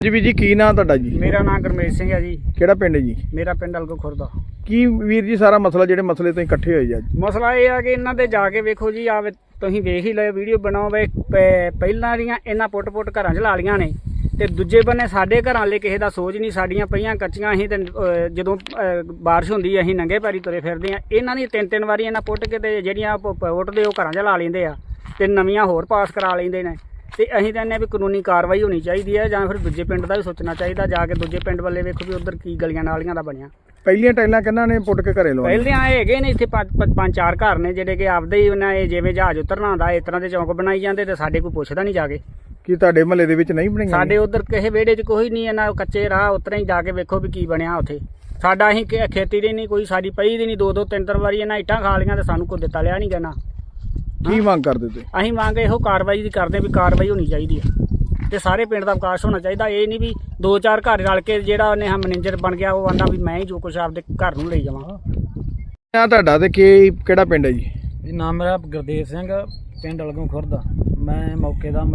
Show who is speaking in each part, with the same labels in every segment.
Speaker 1: ਜੀ ਵੀਰ ਜੀ ਕੀ ਨਾਂ ਤੁਹਾਡਾ ਜੀ?
Speaker 2: ਮੇਰਾ ਨਾਮ ਗੁਰਮੇਜ ਸਿੰਘ ਹੈ ਜੀ।
Speaker 1: ਕਿਹੜਾ ਪਿੰਡ ਹੈ ਜੀ?
Speaker 2: ਮੇਰਾ ਪਿੰਡ ਅਲਗੋ ਖੁਰਦਾ।
Speaker 1: ਕੀ ਵੀਰ ਜੀ ਸਾਰਾ ਮਸਲਾ ਜਿਹੜੇ ਮਸਲੇ ਤੋਂ ਇਕੱਠੇ ਹੋਏ ਜੀ ਅੱਜ?
Speaker 2: ਮਸਲਾ ਇਹ ਆ ਕਿ ਇਹਨਾਂ ਦੇ ਜਾ ਕੇ ਵੇਖੋ ਜੀ, ਆ ਤੁਸੀਂ ਵੇਖ ਹੀ ਲਓ ਵੀਡੀਓ ਬਣਾਓ ਵੇ। ਪਹਿਲਾਂ ਦੀਆਂ ਇਹਨਾਂ ਪੁੱਟ ਘਰਾਂ 'ਚ ਲਾ ਲੀਆਂ ਨੇ, ਤੇ ਦੂਜੇ ਬੰਨੇ ਸਾਡੇ ਘਰਾਂ ਲਈ ਕਿਸੇ ਦਾ ਸੋਚ ਨਹੀਂ। ਸਾਡੀਆਂ ਪਈਆਂ ਕੱਚੀਆਂ, ਅਸੀਂ ਤੇ ਜਦੋਂ ਬਾਰਿਸ਼ ਹੁੰਦੀ ਅਸੀਂ ਨੰਗੇ ਪੈਰੀ ਤੁਰੇ ਫਿਰਦੇ ਆ। ਇਹਨਾਂ ਦੀ ਤਿੰਨ ਵਾਰੀ ਇਹਨਾਂ ਪੁੱਟ ਕੇ ਤੇ ਜਿਹੜੀਆਂ ਪੁੱਟਦੇ ਉਹ ਘਰਾਂ 'ਚ ਲਾ ਲੈਂਦੇ ਆ ਤੇ ਨਵੀਆਂ ਹੋਰ ਪਾਸ ਕਰਾ ਲੈਂਦੇ ਨੇ। ਤੇ ਅਸੀਂ ਕਹਿੰਦੇ ਵੀ ਕਾਨੂੰਨੀ ਕਾਰਵਾਈ ਹੋਣੀ ਚਾਹੀਦੀ ਹੈ, ਜਾਂ ਫਿਰ ਦੂਜੇ ਪਿੰਡ ਦਾ ਵੀ ਸੋਚਣਾ ਚਾਹੀਦਾ। ਜਾ ਕੇ ਦੂਜੇ ਪਿੰਡ ਵੱਲੇ ਵੇਖੋ ਵੀ ਉਧਰ ਕੀ ਗਲੀਆਂ ਨਾਲੀਆਂ ਦਾ ਬਣਿਆ।
Speaker 1: ਪਹਿਲੀਆਂ ਟਾਈਲਾਂ ਕਿਹਨਾਂ ਨੇ ਪੁੱਟ ਕੇ ਘਰੇ ਲਵਾਈਆਂ?
Speaker 2: ਪਹਿਲੇ ਆਏ ਹੈਗੇ ਨੇ ਇੱਥੇ ਪੰਜ ਚਾਰ ਘਰ ਨੇ ਜਿਹੜੇ ਕਿ ਆਪਦੇ ਹੀ ਉਹਨਾਂ ਇਹ ਜਿਵੇਂ ਜਹਾਜ਼ ਉਤਰਨਾ ਹੁੰਦਾ ਇਸ ਤਰ੍ਹਾਂ ਦੇ ਚੌਂਕ ਬਣਾਈ ਜਾਂਦੇ, ਤੇ ਸਾਡੇ ਕੋਈ ਪੁੱਛਦਾ ਨਹੀਂ ਜਾ ਕੇ।
Speaker 1: ਕੀ ਤੁਹਾਡੇ ਮਹੱਲੇ ਦੇ ਵਿੱਚ ਨਹੀਂ ਬਣੀਆਂ?
Speaker 2: ਸਾਡੇ ਉਧਰ ਕਿਸੇ ਵਿਹੜੇ 'ਚ ਕੋਈ ਨਹੀਂ, ਇਹਨਾਂ ਕੱਚੇ ਰਾਹ ਉਤਰੇ ਹੀ ਜਾ ਕੇ ਵੇਖੋ ਵੀ ਕੀ ਬਣਿਆ ਉੱਥੇ। ਸਾਡਾ ਅਸੀਂ ਖੇਤੀ ਦੀ ਨਹੀਂ ਕੋਈ, ਸਾਡੀ ਪਈ ਦੀ ਨਹੀਂ। ਦੋ ਤਿੰਨ ਵਾਰੀ ਇਹਨਾਂ ਇੱਟਾਂ ਖਾ ਲਈਆਂ ਤੇ ਸਾਨੂੰ ਕੋਈ ਦਿੱਤਾ ਲਿਆ ਨਹੀਂ ਕਹਿਣਾ।
Speaker 1: ਕੀ ਮੰਗ ਕਰਦੇ ਤੁਸੀਂ?
Speaker 2: ਅਸੀਂ ਮੰਗ ਇਹੋ ਕਾਰਵਾਈ ਦੀ ਕਰਦੇ ਵੀ ਕਾਰਵਾਈ ਹੋਣੀ ਚਾਹੀਦੀ ਹੈ ਤੇ ਸਾਰੇ ਪਿੰਡ ਦਾ ਵਿਕਾਸ ਹੋਣਾ ਚਾਹੀਦਾ। ਇਹ ਨਹੀਂ ਵੀ ਦੋ ਚਾਰ ਘਰ ਰਲ ਕੇ ਜਿਹੜਾ ਉਹਨੇ ਮੈਨੇਜਰ ਬਣ ਗਿਆ ਉਹ ਆਂਦਾ ਵੀ ਮੈਂ ਹੀ ਜੋ ਕੁਛ ਆਪਦੇ ਘਰ ਨੂੰ ਲਈ ਜਾਵਾਂ।
Speaker 1: ਨਾਂ ਤੁਹਾਡਾ ਤੇ ਕਿਹੜਾ ਪਿੰਡ ਹੈ ਜੀ?
Speaker 2: ਨਾਮ ਮੇਰਾ ਗੁਰਦੇਵ ਸਿੰਘ, ਪਿੰਡ ਅਲਗੋਂ ਖੁਰਦਾ। ਮੈਂ ਮੌਕੇ ਦਾ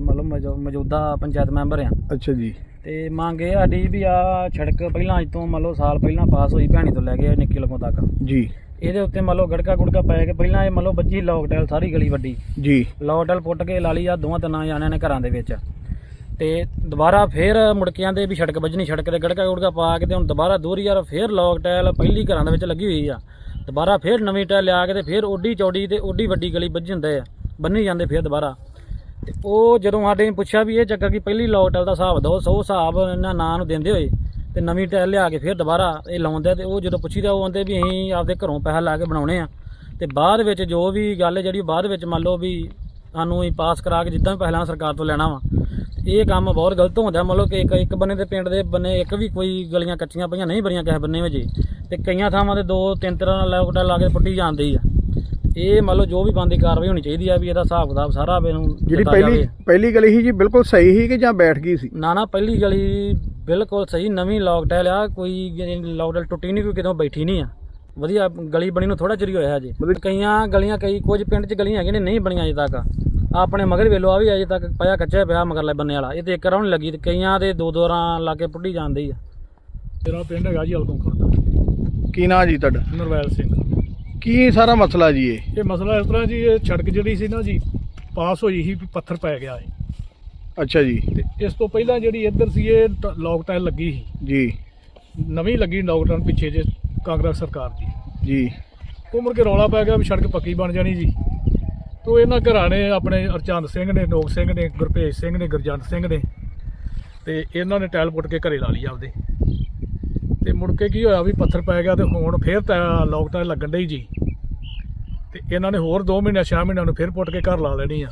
Speaker 2: ਮੌਜੂਦਾ ਪੰਚਾਇਤ ਮੈਂਬਰ ਆ।
Speaker 1: ਅੱਛਾ ਜੀ। ਤੇ
Speaker 2: ਮੰਗ ਇਹ ਸਾਡੀ ਵੀ ਆ ਸੜਕ ਪਹਿਲਾਂ ਅੱਜ ਤੋਂ ਸਾਲ ਪਹਿਲਾਂ ਪਾਸ ਹੋਈ, ਭੈਣੀ ਤੋਂ ਲੈ ਕੇ ਨਿੱਕੀ ਲਗੋਂ ਤੱਕ
Speaker 1: ਜੀ।
Speaker 2: ਇਹਦੇ ਉੱਤੇ ਗੜਕਾ ਗੁੜਕਾ ਪੈ ਕੇ ਪਹਿਲਾਂ ਇਹ ਵੱਜੀ ਲੋਕ ਟੈਲ ਸਾਰੀ ਗਲੀ ਵੱਡੀ ਜੀ। ਲੋਕ ਟੈਲ ਪੁੱਟ ਕੇ ਲਾ ਲਈ ਆ ਦੋਵਾਂ ਤਿੰਨਾਂ ਜਾਣਿਆਂ ਨੇ ਘਰਾਂ ਦੇ ਵਿੱਚ, ਤੇ ਦੁਬਾਰਾ ਫੇਰ ਮੁੜਕਿਆਂ ਦੇ ਵੀ ਸੜਕ ਵੱਜਣੀ, ਸੜਕ ਤੇ ਗੜਕਾ ਗੁੜਕਾ ਪਾ ਕੇ ਤੇ ਹੁਣ ਦੁਬਾਰਾ ਦੋਹਰੀ ਯਾਰ ਫੇਰ ਲੋਕ ਟੈਲ ਪਹਿਲੀ ਘਰਾਂ ਦੇ ਵਿੱਚ ਲੱਗੀ ਹੋਈ ਆ। ਦੁਬਾਰਾ ਫੇਰ ਨਵੀਂ ਟੈਲ ਲਿਆ ਕੇ ਤੇ ਫੇਰ ਓਡੀ ਚੌੜੀ ਤੇ ਓਡੀ ਵੱਡੀ ਗਲੀ ਵੱਜੀ ਹੁੰਦੇ ਆ, ਬੰਨੀ ਜਾਂਦੇ ਫੇਰ ਦੁਬਾਰਾ। ਤੇ ਉਹ ਜਦੋਂ ਸਾਡੇ ਨੇ ਪੁੱਛਿਆ ਵੀ ਇਹ ਚੱਕਰ ਕੀ ਪਹਿਲੀ ਲੋਕ ਟੈਲ ਦਾ ਹਿਸਾਬ ਦਿਓ, ਸੋ ਹਿਸਾਬ ਇਹਨਾਂ ਨਾਂ ਨੂੰ ਦਿੰਦੇ ਹੋਏ ਤੇ ਨਵੀਂ ਟੈਲ ਲਿਆ ਕੇ ਫਿਰ ਦੁਬਾਰਾ ਇਹ ਲਾਉਂਦੇ। ਤੇ ਉਹ ਜਦੋਂ ਪੁੱਛੀਦਾ ਉਹ ਆਉਂਦੇ ਵੀ ਅਸੀਂ ਆਪਦੇ ਘਰੋਂ ਪੈਸਾ ਲਾ ਕੇ ਬਣਾਉਣੇ ਆ, ਤੇ ਬਾਅਦ ਵਿੱਚ ਜੋ ਵੀ ਗੱਲ ਜਿਹੜੀ ਬਾਅਦ ਵਿੱਚ ਮੰਨ ਲਓ ਵੀ ਸਾਨੂੰ ਹੀ ਪਾਸ ਕਰਾ ਕੇ ਜਿੱਦਾਂ ਵੀ ਪਹਿਲਾਂ ਸਰਕਾਰ ਤੋਂ ਲੈਣਾ ਵਾ। ਇਹ ਕੰਮ ਬਹੁਤ ਗਲਤ ਹੁੰਦਾ। ਕਿ ਇੱਕ ਬੰਨੇ ਦੇ ਪਿੰਡ ਦੇ ਬੰਨੇ ਇੱਕ ਵੀ ਕੋਈ ਗਲੀਆਂ ਕੱਚੀਆਂ ਪਈਆਂ ਨਹੀਂ ਬਣੀਆਂ ਕਿਸੇ ਬੰਨੇ ਵਿੱਚ, ਤੇ ਕਈਆਂ ਥਾਵਾਂ ਤੇ ਦੋ ਤਿੰਨ ਤਰ੍ਹਾਂ ਨਾਲ ਲਾ ਕੇ ਪੁੱਟੀ ਜਾਂਦੀ ਆ। ਇਹ ਜੋ ਵੀ ਬੰਦੀ ਕਾਰਵਾਈ ਹੋਣੀ ਚਾਹੀਦੀ ਆ ਵੀ ਇਹਦਾ ਹਿਸਾਬ ਕਿਤਾਬ ਸਾਰਾ ਮੈਨੂੰ।
Speaker 1: ਜਿਹੜੀ ਪਹਿਲੀ ਗਲੀ ਸੀ ਜੀ ਬਿਲਕੁਲ ਸਹੀ ਸੀ ਕਿ ਜਾਂ ਬੈਠ ਗਈ ਸੀ? ਨਾ
Speaker 2: ਪਹਿਲੀ ਗਲੀ ਬਿਲਕੁਲ ਸਹੀ, ਨਵੀਂ ਲੋਕ ਟੈਲ ਆ, ਕੋਈ ਲੋਕ ਟੈਲ ਟੁੱਟੀ ਨਹੀਂ, ਕੋਈ ਕਿਤੋਂ ਬੈਠੀ ਨਹੀਂ ਆ। ਵਧੀਆ ਗਲੀ ਬਣੀ ਨੂੰ ਥੋੜਾ ਚਿਰ ਹੀ ਹੋਇਆ ਹਜੇ। ਕਈਆਂ ਗਲੀਆਂ ਕੁਝ ਪਿੰਡ 'ਚ ਗਲੀਆਂ ਹੈਗੀਆਂ ਨੇ ਨਹੀਂ ਬਣੀਆਂ ਅਜੇ ਤੱਕ। ਆਪਣੇ ਮਗਰ ਵੇਲੋ ਆ ਵੀ ਅਜੇ ਤੱਕ ਪਿਆ ਕੱਚਾ ਪਿਆ ਮਗਰਲੇ ਬੰਨੇ ਵਾਲਾ, ਇਹ ਤੇ ਇੱਕ ਰਾਹ ਨਹੀਂ ਲੱਗੀ, ਤੇ ਕਈਆਂ ਦੇ ਦੋ ਰਾਂ ਲਾ ਕੇ ਪੁੱਟੀ ਜਾਂਦੀ ਆ।
Speaker 3: ਮੇਰਾ ਪਿੰਡ ਹੈਗਾ ਜੀ ਅਲਗੋਂ ਖੁਰਦਾ।
Speaker 1: ਕੀ ਨਾਂ ਜੀ ਤੁਹਾਡਾ?
Speaker 3: ਨਰਵੈਲ ਸਿੰਘ।
Speaker 1: ਕੀ ਸਾਰਾ ਮਸਲਾ ਜੀ?
Speaker 3: ਇਹ ਮਸਲਾ ਇਸ ਤਰ੍ਹਾਂ ਜੀ, ਇਹ ਸੜਕ ਜਿਹੜੀ ਸੀ ਨਾ ਜੀ ਪਾਸ ਹੋਈ ਸੀ, ਪੱਥਰ ਪੈ ਗਿਆ ਹੈ।
Speaker 1: ਅੱਛਾ ਜੀ।
Speaker 3: ਤੇ ਇਸ ਤੋਂ ਪਹਿਲਾਂ ਜਿਹੜੀ ਇੱਧਰ ਸੀ ਇਹ ਲੋਕ ਟਾਇਲ ਲੱਗੀ ਸੀ
Speaker 1: ਜੀ,
Speaker 3: ਨਵੀਂ ਲੱਗੀ ਲੋਕ ਟਾਇਲ ਪਿੱਛੇ ਜੇ ਕਾਂਗਰਸ ਸਰਕਾਰ ਦੀ
Speaker 1: ਜੀ।
Speaker 3: ਉਹ ਮੁੜ ਕੇ ਰੌਲਾ ਪੈ ਗਿਆ ਵੀ ਸੜਕ ਪੱਕੀ ਬਣ ਜਾਣੀ ਜੀ। ਤੋ ਇਹਨਾਂ ਘਰਾਂ ਨੇ ਆਪਣੇ ਅਰਚੰਦ ਸਿੰਘ ਨੇ, ਨੋਕ ਸਿੰਘ ਨੇ, ਗੁਰਭੇਜ ਸਿੰਘ ਨੇ, ਗੁਰਜੰਟ ਸਿੰਘ ਨੇ, ਤੇ ਇਹਨਾਂ ਨੇ ਟਾਇਲ ਪੁੱਟ ਕੇ ਘਰੇ ਲਾ ਲਈ ਆਪਦੇ। ਤੇ ਮੁੜ ਕੇ ਕੀ ਹੋਇਆ ਵੀ ਪੱਥਰ ਪੈ ਗਿਆ, ਤੇ ਹੁਣ ਫੇਰ ਲੋਕ ਟਾਇਲ ਲੱਗਣ ਡਈ ਜੀ। ਤੇ ਇਹਨਾਂ ਨੇ ਹੋਰ 2 ਮਹੀਨੇ 6 ਮਹੀਨਿਆਂ ਨੂੰ ਫੇਰ ਪੁੱਟ ਕੇ ਘਰ ਲਾ ਲੈਣੀ ਆ।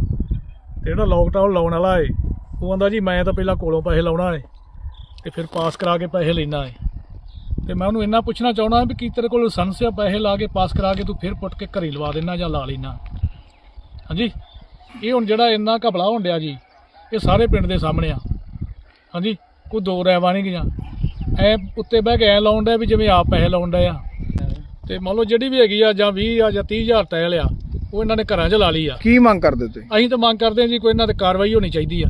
Speaker 3: ਤੇ ਜਿਹੜਾ ਲੋਕ ਟਾਇਲ ਲਾਉਣ ਵਾਲਾ ਏ ਉਹ ਕਹਿੰਦਾ ਜੀ ਮੈਂ ਤਾਂ ਪਹਿਲਾਂ ਕੋਲੋਂ ਪੈਸੇ ਲਾਉਣਾ ਏ ਤੇ ਫਿਰ ਪਾਸ ਕਰਾ ਕੇ ਪੈਸੇ ਲੈਣਾ ਏ। ਤੇ ਮੈਂ ਉਹਨੂੰ ਇੰਨਾ ਪੁੱਛਣਾ ਚਾਹੁੰਦਾ ਵੀ ਕੀ ਤੇਰੇ ਕੋਲ ਲਾਇਸੈਂਸ ਆ ਪੈਸੇ ਲਾ ਕੇ ਪਾਸ ਕਰਾ ਕੇ ਤੂੰ ਫਿਰ ਪੁੱਟ ਕੇ ਘਰੇ ਲਵਾ ਦੇਣਾ ਜਾਂ ਲਾ ਲੈਣਾ? ਹਾਂਜੀ, ਇਹ ਹੁਣ ਜਿਹੜਾ ਇੰਨਾ ਘਪਲਾ ਹੋਣ ਡਿਆ ਜੀ ਇਹ ਸਾਰੇ ਪਿੰਡ ਦੇ ਸਾਹਮਣੇ ਆ। ਹਾਂਜੀ, ਕੋਈ ਦੋ ਰਾਇਵਾਂ ਨਹੀਂ ਗਈਆਂ। ਐ ਉੱਤੇ ਬਹਿ ਕੇ ਐ ਲਾਉਣ ਡਿਆ ਵੀ ਜਿਵੇਂ ਆਪ ਪੈਸੇ ਲਾਉਣ ਡਏ ਆ। ਤੇ ਮੰਨ ਲਓ ਜਿਹੜੀ ਵੀ ਹੈਗੀ ਆ ਜਾਂ 20 ਆ ਜਾਂ 30,000 ਟਾਇਲ ਆ ਉਹ ਇਹਨਾਂ ਨੇ ਘਰਾਂ 'ਚ ਲਾ ਲਈ ਆ।
Speaker 1: ਕੀ ਮੰਗ ਕਰਦੇ ਤੁਸੀਂ?
Speaker 3: ਅਸੀਂ ਤਾਂ ਮੰਗ ਕਰਦੇ ਹਾਂ ਜੀ ਕੋਈ ਇਹਨਾਂ ਤੇ ਕਾਰਵਾਈ ਹੋਣੀ ਚਾਹੀਦੀ ਆ।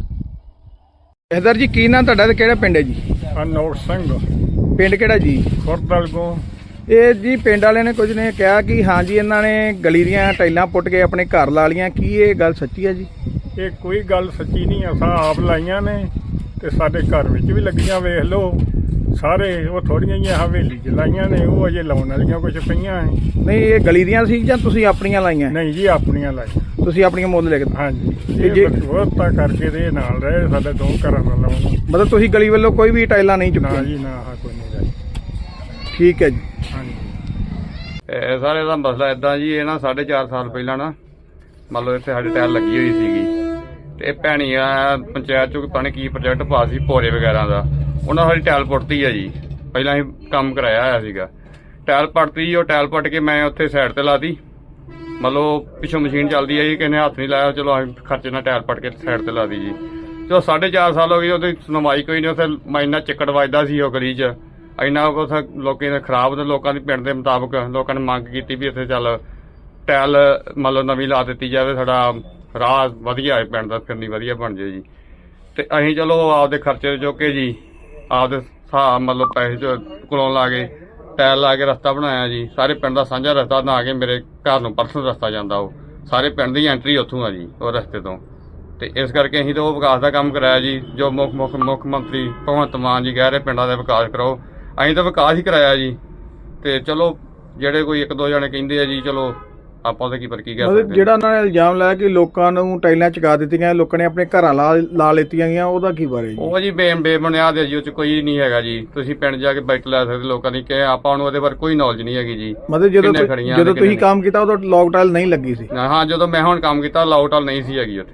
Speaker 1: ਇਧਰ ਜੀ ਕੀ ਨਾਂ ਤੁਹਾਡਾ ਤੇ ਕਿਹੜਾ ਪਿੰਡ ਹੈ ਜੀ?
Speaker 3: ਅਨੋਟ ਸਿੰਘ।
Speaker 1: ਪਿੰਡ ਕਿਹੜਾ ਜੀ?
Speaker 3: ਖੁਰਦ ਅਲਗੋਂ।
Speaker 1: ਇਹ ਜੀ ਪਿੰਡ ਵਾਲਿਆਂ ਨੇ ਕੁਝ ਨੇ ਕਿਹਾ ਕਿ ਹਾਂ ਜੀ ਇਹਨਾਂ ਨੇ ਗਲੀ ਦੀਆਂ ਟਾਈਲਾਂ ਪੁੱਟ ਕੇ ਆਪਣੇ ਘਰ ਲਾ ਲੀਆਂ। ਕੀ ਇਹ ਗੱਲ ਸੱਚੀ ਹੈ ਜੀ?
Speaker 4: ਇਹ ਕੋਈ ਗੱਲ ਸੱਚੀ ਨਹੀਂ, ਅਸਾਂ ਆਪ ਲਾਈਆਂ ਨੇ ਤੇ ਸਾਡੇ ਘਰ ਵਿੱਚ ਵੀ ਲੱਗੀਆਂ। ਵੇਖ ਲਓ ਸਾਰੇ, ਉਹ ਥੋੜੀਆਂ ਜਿਹੀਆਂ ਹਵੇਲੀ 'ਚ ਲਾਈਆਂ ਨੇ, ਉਹ ਅਜੇ ਲਾਉਣ ਵਾਲੀਆਂ ਕੁਝ ਪਈਆਂ ਐ।
Speaker 1: ਨਹੀਂ ਇਹ ਗਲੀ ਦੀਆਂ ਸੀ ਜਾਂ ਤੁਸੀਂ ਆਪਣੀਆਂ ਲਾਈਆਂ?
Speaker 4: ਨਹੀਂ ਜੀ ਆਪਣੀਆਂ ਲਾਈਆਂ।
Speaker 1: ਤੁਸੀਂ ਆਪਣੀਆਂ ਮੁੱਲ ਲੈ ਕੇ?
Speaker 4: ਹਾਂਜੀ,
Speaker 1: ਜੇ
Speaker 4: ਬਹੁਤਾ ਕਰਕੇ ਦੇ ਨਾਲ ਰਹੇ ਸਾਡੇ 2 ਘਰਾਂ ਨਾਲ ਲਾਉਣ।
Speaker 1: ਮਤਲਬ ਤੁਸੀਂ ਗਲੀ ਵੱਲੋਂ ਕੋਈ ਵੀ ਟਾਈਲਾਂ ਨਹੀਂ
Speaker 4: ਨਾ
Speaker 1: ਚੁੱਕੀਆਂ?
Speaker 4: ਜੀ ਨਾ, ਕੋਈ ਨਹੀਂ ਲਾਈ।
Speaker 1: ਠੀਕ ਹੈ ਜੀ।
Speaker 4: ਹਾਂਜੀ।
Speaker 5: ਇਹ ਸਾਰੇ ਦਾ ਮਸਲਾ ਇਦਾਂ ਜੀ, ਇਹ ਨਾ 4.5 ਸਾਲ ਪਹਿਲਾਂ ਨਾ ਮੰਨ ਲਓ ਇੱਥੇ ਸਾਡੇ ਟਾਇਲ ਲੱਗੀ ਹੋਈ ਸੀਗੀ, ਤੇ ਇਹ ਭੈਣੀਆਂ ਪੰਚਾਇਤ ਚੋਂ ਪਤਾ ਨਹੀਂ ਕੀ ਪ੍ਰੋਜੈਕਟ ਪਾਸ ਸੀ ਭੋਰੇ ਵਗੈਰਾ ਦਾ, ਉਹਨਾਂ ਸਾਡੀ ਟਾਇਲ ਪੁੱਟਤੀ ਆ ਜੀ। ਪਹਿਲਾਂ ਅਸੀਂ ਕੰਮ ਕਰਾਇਆ ਹੋਇਆ ਸੀਗਾ, ਟਾਇਲ ਪੱਟਤੀ। ਉਹ ਟਾਇਲ ਪੱਟ ਕੇ ਮੈਂ ਉੱਥੇ ਸਾਈਡ ਤੇ ਲਾਤੀ, ਮੰਨ ਲਓ ਪਿੱਛੋਂ ਮਸ਼ੀਨ ਚੱਲਦੀ ਹੈ ਜੀ, ਕਿਸੇ ਨੇ ਹੱਥ ਨਹੀਂ ਲਾਇਆ, ਚਲੋ ਅਸੀਂ ਖਰਚੇ ਨਾਲ ਟਾਇਲ ਪੱਟ ਕੇ ਸਾਈਡ ਤੇ ਲਾਤੀ ਜੀ। ਚਲੋ 4.5 ਸਾਲ ਹੋ ਗਏ, ਉਹਦੀ ਸੁਣਵਾਈ ਕੋਈ ਨਹੀਂ। ਉੱਥੇ ਇੰਨਾ ਚਿੱਕੜ ਵੱਜਦਾ ਸੀ ਉਹ ਗਲੀ 'ਚ, ਇੰਨਾ ਉੱਥੇ ਲੋਕਾਂ ਨੇ ਖਰਾਬ, ਤੇ ਲੋਕਾਂ ਦੀ ਪਿੰਡ ਦੇ ਮੁਤਾਬਕ ਲੋਕਾਂ ਨੇ ਮੰਗ ਕੀਤੀ ਵੀ ਇੱਥੇ ਚੱਲ ਟਾਇਲ ਮੰਨ ਲਓ ਨਵੀਂ ਲਾ ਦਿੱਤੀ ਜਾਵੇ, ਸਾਡਾ ਰਾਹ ਵਧੀਆ ਹੈ ਪਿੰਡ ਦਾ ਫਿਰਨੀ ਵਧੀਆ ਬਣ ਜਾਏ ਜੀ। ਤੇ ਅਸੀਂ ਚਲੋ ਆਪਦੇ ਖਰਚੇ ਚੁੱਕ ਕੇ ਜੀ ਆਪਦੇ ਹਿਸਾਬ ਮਤਲਬ ਪੈਸੇ ਕੋਲੋਂ ਲਾ ਕੇ ਟਾਇਲ ਲਾ ਕੇ ਰਸਤਾ ਬਣਾਇਆ ਜੀ। ਸਾਰੇ ਪਿੰਡ ਦਾ ਸਾਂਝਾ ਰਸਤਾ ਬਣਾ ਕੇ ਮੇਰੇ ਘਰ ਨੂੰ ਪਰਸਨਲ ਰਸਤਾ ਜਾਂਦਾ, ਉਹ ਸਾਰੇ ਪਿੰਡ ਦੀ ਐਂਟਰੀ ਉੱਥੋਂ ਆ ਜੀ ਉਹ ਰਸਤੇ ਤੋਂ। ਤੇ ਇਸ ਕਰਕੇ ਅਸੀਂ ਤਾਂ ਉਹ ਵਿਕਾਸ ਦਾ ਕੰਮ ਕਰਾਇਆ ਜੀ ਜੋ ਮੁੱਖ ਮੰਤਰੀ ਭਗਵੰਤ ਮਾਨ ਜੀ ਕਹਿ ਰਹੇ ਪਿੰਡਾਂ ਦਾ ਵਿਕਾਸ ਕਰਾਓ, ਅਸੀਂ ਤਾਂ ਵਿਕਾਸ ਹੀ ਕਰਾਇਆ ਜੀ। ਤੇ ਚਲੋ ਜਿਹੜੇ ਕੋਈ ਇੱਕ ਦੋ ਜਣੇ ਕਹਿੰਦੇ ਆ ਜੀ ਚਲੋ ਆਪਾਂ ਉਹਦੇ ਕੀ ਪਰ ਕੀ ਕਹਿ ਸਕਦੇ ਹਾਂ।
Speaker 1: ਜਿਹੜਾ ਉਹਨਾਂ ਨੇ ਇਲਜ਼ਾਮ ਲਾਇਆ ਕਿ ਲੋਕਾਂ ਨੂੰ ਟਾਈਲਾਂ ਚੁਕਾ ਦਿੱਤੀਆਂ, ਲੋਕਾਂ ਨੇ ਆਪਣੇ ਘਰਾਂ ਲਾ ਲਿੱਤੀਆਂ ਗਈਆਂ, ਉਹਦਾ ਕੀ ਬਾਰੇ ਜੀ?
Speaker 5: ਉਹ ਜੀ ਬੇਬੁਨਿਆਦ ਹੈ ਜੀ, ਉਹ ਚ ਕੋਈ ਨਹੀਂ ਹੈਗਾ ਜੀ। ਤੁਸੀਂ ਪਿੰਡ ਜਾ ਕੇ ਬੈਠ ਲੈ ਸਕਦੇ ਲੋਕਾਂ ਦੀ, ਕਿ ਆਪਾਂ ਨੂੰ ਉਹਦੇ ਬਾਰੇ ਕੋਈ ਨੌਲੇਜ ਨਹੀਂ ਹੈਗੀ ਜੀ।
Speaker 1: ਮਤਲਬ ਜਦੋਂ ਤੁਸੀਂ ਕੰਮ ਕੀਤਾ ਉਦੋਂ ਲੌਕ ਟਾਈਲ ਨਹੀਂ ਲੱਗੀ ਸੀ?
Speaker 5: ਹਾਂ, ਜਦੋਂ ਮੈਂ ਹੁਣ ਕੰਮ ਕੀਤਾ ਲੌਕ ਟਾਈਲ ਨਹੀਂ ਸੀ ਹੈਗੀ ਉੱਥੇ।